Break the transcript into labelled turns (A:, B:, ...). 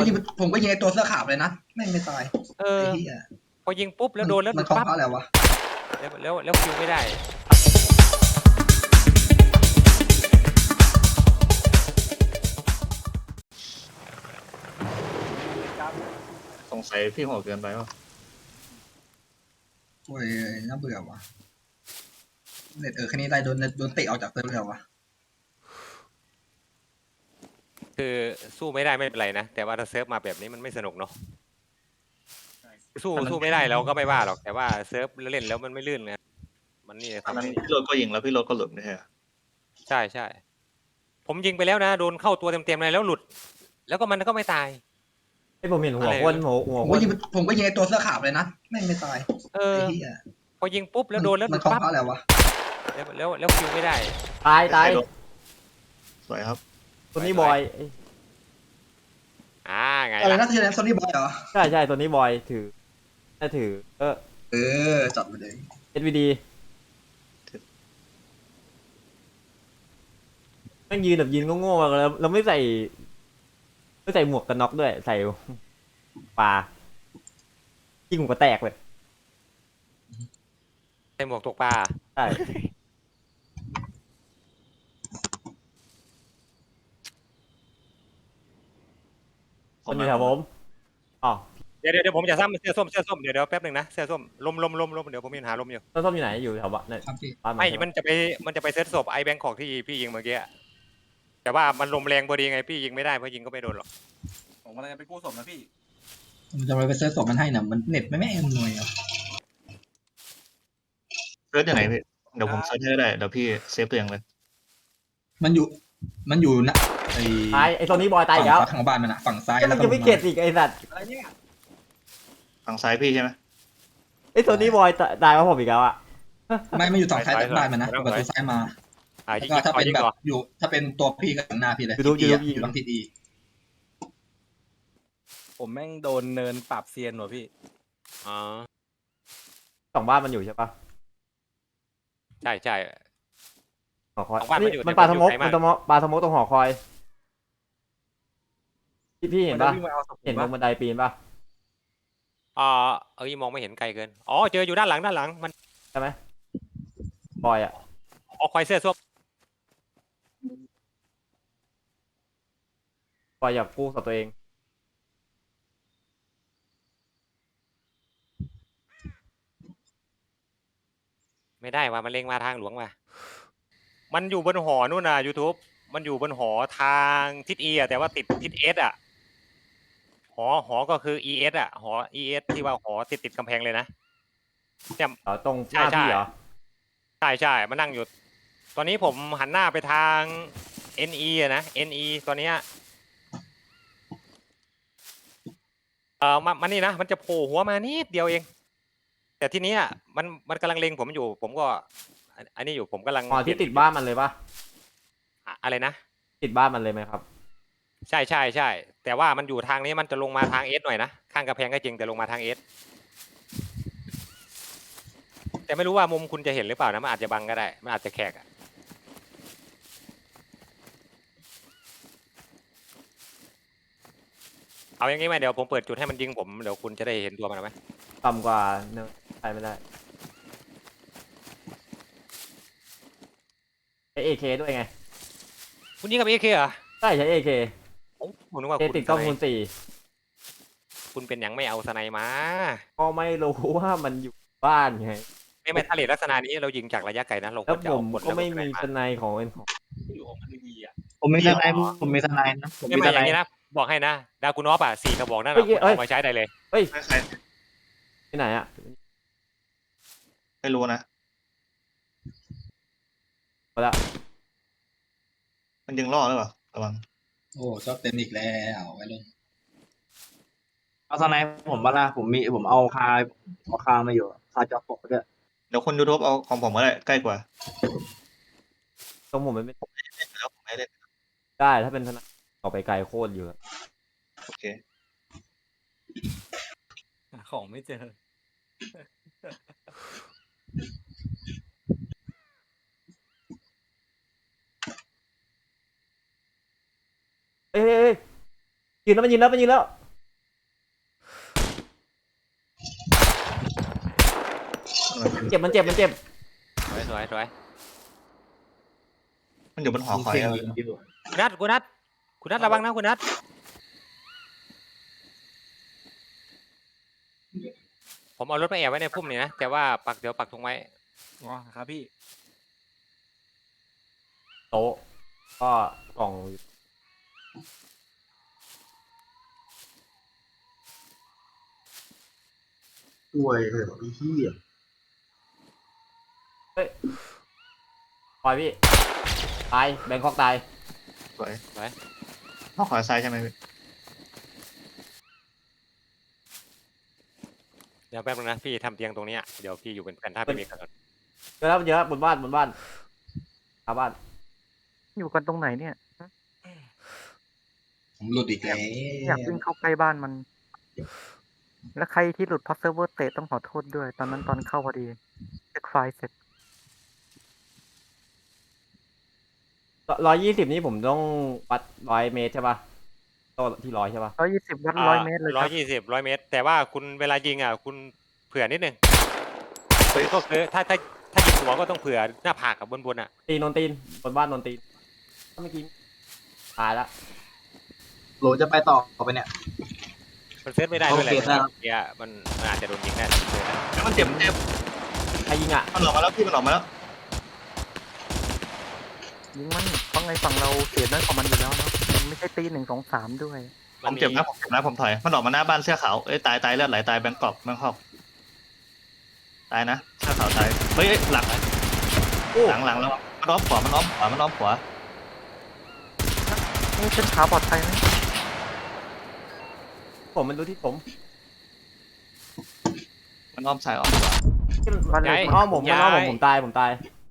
A: ผมก็ยิงไอ้ตัวเสื้อขาวเลยนะแม่งไม่ตาย
B: เออ
A: ไอ้เหี้ย
B: พอยิงปุ๊บแล้วโดนแล้วห
A: มั
B: ลุ
A: น
B: ด
A: เคาะ
B: ปั๊บ
A: เพราะอะไรวะ
B: แล้วคิวไม่ได้
C: สงสัยพี่หัวเกินไปวะ
A: โอ้ยน่าเบื่อว่ะเน็ตแค่นี้ได้โดนเตะออกจากเซิร์ฟเลยวะ
B: คือสู้ไม่ได้ไม่เป็นไรนะแต่ว่าถ้าเซิร์ฟมาแบบนี้มันไม่สนุกเนาะสู้ไม่ได้เราก็ไม่ว่าหรอกแต่ว่าเซิร์ฟเล่นแล้วมันไม่ลื่นไงมันนี่
C: ตอน
B: ทำ
C: นั้น
B: ให้
C: พี่โรถก็ยิงแล้วพี่โรถก็หลุดไม่ใช่เหรอ
B: ใช่ผมยิงไปแล้วนะโดนเข้าตัวเต็มๆเลยแล้วหลุด แล้วก็มันก็ไม่ตาย
D: ไอ้ผมเห็นหัว
B: อะไร
D: คนหัว
A: ผม
D: ค
A: ก็
D: น
A: ยิงผมก็ยิงไอ้ตัวเสื้อขาวเลยนะแม่งไม่ตาย
B: เออ
A: ไอ้เหี้ย
B: พอยิงปุ๊บแล้วโดนแล้วห
A: มั
B: ลุ
A: น
B: ด
A: เคาะ
B: ปั๊บ
A: เพราะอะไรวะ
B: แล้วคิวไม่ได้
D: ตาย
C: ใครโดนสวยครับ
D: ตัวนี้บอย
B: ไง
A: อะไร
B: ล่ะ
A: นะที่เล่นโซนี่บอยเหรอ
D: ใช่ตัวนี้บอยถือถ้าถือ
A: เออจัดไปเลย
D: SVD แม่งยืนแบบยืนโง่ๆแล้วเราไม่ใส่หมวกกันน็อกด้วยใส่ปลายิงหัวแตกเลย
B: ใส่หมวกตกปลา
D: ใช่คนอยู่แถวผมอ๋อ
B: เดี๋ยวผมจะซ้ำเสื้อส้มเดี๋ยวแป๊บหนึ่งนะเสื้อส้มลมเดี๋ยวผมมีปัญหาลมอยู่
D: ต้นส้มอยู่ไหนอยู่แถวบ้านเนี่ย
A: ครับพี่
D: บ้าน
B: ไม่
D: ใช่
B: มันจะไปเซตศพไอ้แบงคอกที่พี่ยิงเมื่อกี้อะแต่ว่ามันลมแรงพอดีไงพี่ยิงไม่ได้เพราะยิงก็ไม่โดนหรอก
E: ผมกำลังจะไปกู้ศพนะพี่
A: มันจะไปเซิร์ชศพมันให้นะมันเน็ตไม่อำนวยอ่ะ
C: เซิร์ชยังไงพี่เดี๋ยวผมเซิร์ชให้ก็ได้เดี๋ยวพี่เซฟตัวเองเลย
A: มันอยู่นะไอ้
D: ตายไอ้ตัวนี้บอยตายอีกแล้ว
A: ฝั่งของบ้านมันอะฝั่งซ้าย
D: ก็
A: แล้
D: มั
A: วน ก็
D: จะไม่เข็ดอีกไอ้สัตว์
E: อะไรเนี่ย
C: ฝั่งซ้ายพี่ใช่ไหม
D: ไอ้ตัวนี้บอยตายมาผมอีกแล้วอ่ะ
A: ไม่อยู่ฝั่งซ้ายจากบ้านมันนะประตูซ้ายมา
B: ยิ
A: แล้ว
B: ง
A: ก็ถ้าเป็น
B: ยิง
A: แบบ
B: ก่อน
A: อยู่ถ้าเป็นตัวพี่ก็หน้าพี่เลย
D: ดู
A: ทิศ E อะ
D: ดู
A: อยู่ทางทิศ E
E: ผมแม่งโดนเนินปรับเซียนว่ะพี่
B: อ๋อ
D: สองบ้านมันอยู่ใช่ปะ
B: ใช่
D: หอคอย
B: สองบ้านมันอยู่
D: มันปลาสมก
B: แต่ผมอยู่ไกล
D: มั
B: มาก
D: นปลาสมกตรงหอคอยพี่เห็นปะ
E: มัจวิ่งมาเอาศพผม
D: เห็นตร
E: ปะ
D: งบันไดปีนปะ
B: มองไม่เห็นไกลเกินอ๋อเจออยู่ด้านหลังมัน
D: ใช่ไหมบอยอ่ะ
B: เอาควายเสื้อส้ม
D: บอยอยากกู้กับตัวเอง
B: ไม่ได้ว่ามันเล็งมาทางหลวงมามันอยู่บนหอนู่นน่ะ YouTube มันอยู่บนหอทางทิศ E อะแต่ว่าติดทิศ S อ่ะหอก็คือ ES อ่ะหอ ES ที่ว่าหอติดกำแพงเลยนะเนี่ย
D: ตรงหน้า
B: ใช่
D: พี่เหรอ
B: ใช่มันนั่งอยู่ ตอนนี้ผมหันหน้าไปทาง NE อะนะ NE ตอนเนี้ยมันนี่นะมันจะโผล่หัวมานิดเดียวเอง แต่ทีเนี้ยมันกำลังเล็งผมอยู่ ผมก็อันนี้อยู่ผมกำลัง
D: หอที่ติดบ้านมันเลยปะ
B: อะไรนะ
D: ติดบ้านมันเลยไหมครับ
B: ใช่แต่ว่ามันอยู่ทางนี้มันจะลงมาทางเอสหน่อยนะข้างกระแพงก็จริงแต่ลงมาทางเอสแต่ไม่รู้ว่ามุมคุณจะเห็นหรือเปล่านะมันอาจจะบังก็ได้มันอาจจะแขกอะเอาอย่างงี้ไหมเดี๋ยวผมเปิดจุดให้มันยิงผมเดี๋ยวคุณจะได้เห็นตัวมันไหม
D: ต่ำกว่าเนอะไปไม่ได้ใช้ AK ด้วยไง
B: คุณยิงกับเอเคเหรอ
D: ใช่ใช้ AK
B: ผมนึกว่า
D: เอ
B: คุณ
D: ติดกล้องคูณ4
B: คุณเป็นอย่างไม่เอาสไนมา
D: ก็ไม่รู้ว่ามันอยู่บ้านไง
B: ไม่ทะเลลักษณะนี้เรายิงจากระยะไกลนะเราค
D: แล้ว
B: วรจะ
D: ผ
B: เอา
D: ม
B: คน
D: ก็ไม่
B: แล้ว
D: มี
B: ส
D: ส
B: ไน
D: ไนของเป็นของ
E: อยู่ของมันดีอ่ะ
C: ผมมีทนายผมมีทนายนะผม
B: ไม่
C: มี
B: ไม่
C: ท
B: อย่าน
C: าย
B: งนี้นะบอกให้นะดากุนอฟอ่ะ4 กระบอกนั่น
D: เฮ้
B: น่ะ
D: ย
B: คุณ
D: เอ้ย
B: เอามาใช้ได้เลย
D: เฮ้ย
C: ใคร
D: ที่ไหนอะ
C: ไม่รู้นะ
D: หมดละ
C: มันยิงล่อหรือเปล่าระวัง
A: โอ้ชอบเต็มอีกแล้วไว้ลง
F: เอาสไนป์ผมบ้าล่ะผมเอาคามาอยู่คาจอปกด้วย
C: เดี๋ยวคนยูทูบเอาของผมก็ได้ใกล้กว่า
D: ตรงผมมันไม่
C: แล้วผมไม่เล่น
D: ได้ถ้าเป็นธนาออกไปไกลโคตรอยู่อะ
C: โอเค
E: หาของไม่เจอ
D: เอ้ยยืนแล้วมันยืนแล้วมันยืนแล้ว เจ็บมันเจ็บมันเจ็บ
B: สวยสวยสวย
C: มันอยู่บนหอคอย
F: เสียง
C: อะ
F: ยิงอยู่
B: คุณนัทคุณนัทคุณนัทระวังนะคุณนัทผมเอารถมาแอบไว้ในพุ่มนี่นะแต่ว่าเดี๋ยวปักธงไว้
E: อ๋อครับพี่
D: โต๊ะก็กล่อง
F: ป่วยเหรอไอ้เหี้ย
D: ปล่อยพี่ตายแบงคอกตาย
C: สวยหอคอยซ้ายใช่ไหมพี่
B: เดี๋ยวแป๊บนึงนะพี่ทำเตียงตรงเนี้ยเดี๋ยวพี่อยู่เป็นเพื่อนถ้าพี่มีกระสุน
D: เจอแล้วเจอแล้วบนบ้านหน้าบ้าน
G: อยู่กันตรงไหนเนี่ย
A: ผมหลุดอีกแล้ว
G: อยากวิ่งเข้าใกล้บ้านมัน แล้วใครที่หลุดเพราะเซิร์ฟเวอร์เตะต้องขอโทษด้วย ตอนนั้นตอนเข้าพอดีเช็คไฟล์เสร็จ
D: 120นี่ผมต้องวัด100 เมตรใช่ป่ะโต๊ะที่100ใช่ป่ะ
G: 120 วัด 100 เมตรเลยค
B: ร้อ
G: รั
B: ย
G: บ
B: ยี่สิบ100 เมตร แต่ว่าคุณเวลายิงอ่ะคุณเผื่อนิดนึงก็คือถ้ายิงหัวก็ต้องเผื่อหน้าผากกับบนอ่ะ
D: ตีนนตีนบนบ้านนนตีนเมื่อกี้ตายละ
F: โหลจะไปต่อไปเนี่ย
B: มันเซตไม่ได้ด้วยแหละ
F: โอเคครับ
B: เนี่ยมันอาจจะโดนยิงได้เลยนะ
C: แล้วมันเจ็บมันเจ็บ
D: ใครยิงอ่ะ
C: มันออกมาแล้วพี่มันออกมาแล้ว
G: ยิงมันเพราะไงฝั่งเราเสียน้อยกว่ามันอยู่แล้วเนาะมันไม่ใช่ตี1 2 3ด้วย
C: ผมเจ็บนะผมถอยมันออกมาหน้าบ้านเสื้อขาวเอ้ยตายเลือดไหลตายแบงกอกแบงคอกตายนะเสื้อขาวตายเฮ้ยหลังแล้วมันอ้อมขวามันอ้อมขวา
G: นี่เส้นขาปลอดภัยไหม
D: ผมมันดูที่ผม
C: มันอ้อมซ้ายอ้อมขวา
G: บ้านเล็ก
D: อ้อมผมตาย